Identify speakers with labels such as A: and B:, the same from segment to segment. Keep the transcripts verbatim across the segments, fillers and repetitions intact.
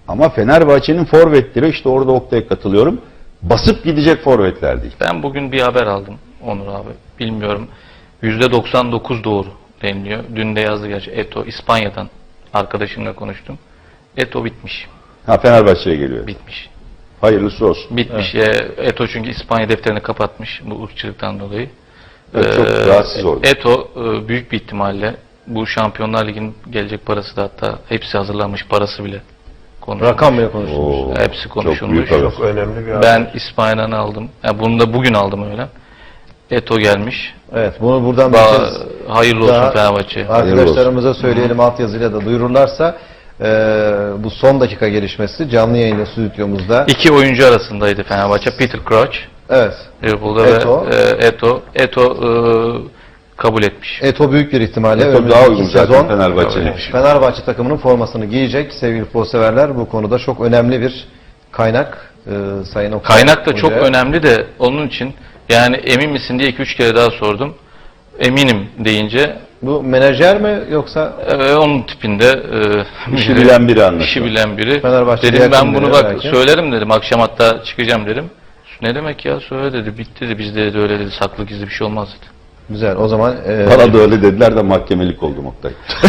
A: Ama Fenerbahçe'nin forvetleri, işte orada Oktay'a katılıyorum, basıp gidecek forvetler değil.
B: Ben bugün bir haber aldım Onur abi. Bilmiyorum. yüzde doksan dokuz doğru deniliyor. Dün de yazdı gerçi. Eto İspanya'dan arkadaşımla konuştum. Eto bitmiş.
A: Ha, Fenerbahçe'ye geliyor.
B: Bitmiş.
A: Hayırlısı olsun.
B: Bitmiş. Evet. Eto çünkü İspanya defterini kapatmış bu ırkçılıktan dolayı.
A: Evet, çok
B: Ee,
A: rahatsız oldu.
B: Eto e, büyük bir ihtimalle bu Şampiyonlar Ligi'nin gelecek parası da, hatta hepsi hazırlanmış, parası bile konuşulmuş.
C: Rakam bile konuşulmuş.
A: Oo,
B: Hepsi konuşulmuş.
A: Çok büyük haber.
D: Çok önemli bir haber.
B: Ben İspanya'dan aldım. Yani bunu da bugün aldım öyle. Eto gelmiş.
C: Evet, bunu buradan bir
B: Ba
C: kez
B: hayırlı
C: daha
B: olsun Fenerbahçe.
C: arkadaşlarımıza söyleyelim, altyazıyla da duyururlarsa. Ee, bu son dakika gelişmesi canlı yayında stüdyomuzda.
B: İki oyuncu arasındaydı Fenerbahçe. Peter Crouch,
C: Evet.
B: Liverpool'da
C: Eto.
B: ve e, Eto. Eto e, kabul etmiş.
C: Eto büyük bir ihtimalle
A: Çok
C: önümüzdeki
A: daha uygun zaten
C: sezon
A: Fenerbahçe'ye.
C: Fenerbahçe takımının formasını giyecek sevgili futbolseverler. Bu konuda çok önemli bir kaynak. Ee, Sayın Oktay
B: Kaynak da çok
C: Hoca'ya.
B: önemli de onun için, yani emin misin diye iki üç kere daha sordum. Eminim deyince
C: Bu menajer mi yoksa
B: e, onun tipinde e,
A: İşi bilen biri anlaşılan.
B: işi bilen biri.
C: Fenerbahçe'ye
B: Dedim ben
C: yakın
B: bunu
C: biri
B: bak
C: belki.
B: söylerim dedim. Akşam hatta çıkacağım dedim. Ne demek ya, söyle dedi. Bitti dedi. Bizde de öyle dedi. Saklı gizli bir şey olmaz dedi.
C: güzel o zaman e,
A: Bana da öyle dediler de mahkemelik oldum Oktay.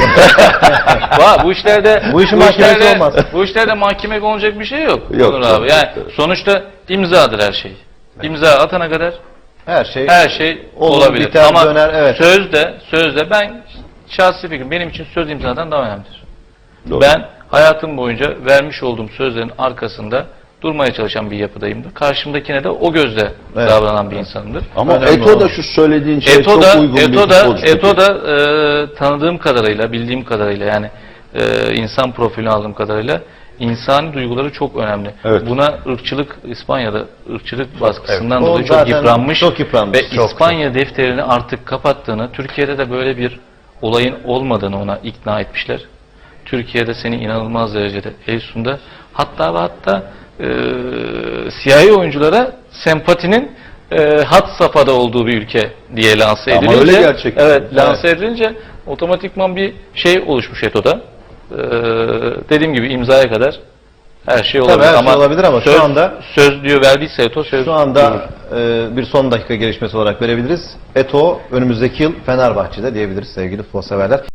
B: Va, bu işlerde
C: Bu işin mahkemesi
B: işlerde-
C: olmaz.
B: Bu işlerde mahkeme olacak bir şey yok.
A: Yok,
B: Onur
A: yok,
B: abi. Yani
A: yok.
B: sonuçta imzadır her şey. İmza atana kadar
C: her şey
B: her şey
C: olur,
B: olabilir.
C: biter,
B: Ama
C: döner, evet.
B: sözde sözde ben şahsi fikrim, benim için söz imzadan daha önemlidir.
A: Doğru.
B: Ben hayatım boyunca vermiş olduğum sözlerin arkasında durmaya çalışan bir yapıdayımdır. Karşımdakine de o gözle
C: Evet.
B: davranan bir insanımdır.
A: Ama
C: Önemli
A: Eto da
C: olan.
A: şu söylediğin şey
B: Eto
A: çok
B: da,
A: uygun bir
B: Eto da,
A: futbolcu tipi.
B: Eto da e, tanıdığım kadarıyla, bildiğim kadarıyla, yani e, insan profilini aldığım kadarıyla insani duyguları çok önemli.
A: Evet.
B: Buna ırkçılık, İspanya'da ırkçılık baskısından
C: O
B: dolayı çok
C: zaten
B: yıpranmış,
C: çok yıpranmış,
B: ve
C: çok,
B: İspanya defterini artık kapattığını, Türkiye'de de böyle bir olayın olmadığını ona ikna etmişler. Türkiye'de seni inanılmaz derecede Eysun'da, hatta ve hatta e, siyahi oyunculara sempatinin e, had safhada olduğu bir ülke diye lanse
A: Ama
B: edilince,
A: öyle gerçekten.
B: evet, lanse edilince otomatikman bir şey oluşmuş Eto'da. Ee, dediğim gibi imzaya kadar her şey
C: Tabii
B: olabilir.
C: her şey
B: ama
C: olabilir ama şu
B: söz,
C: anda-
B: söz diyor, verdiyse Eto söz.
C: şu anda e, bir son dakika gelişmesi olarak verebiliriz. Eto önümüzdeki yıl Fenerbahçe'de diyebiliriz sevgili futbolseverler.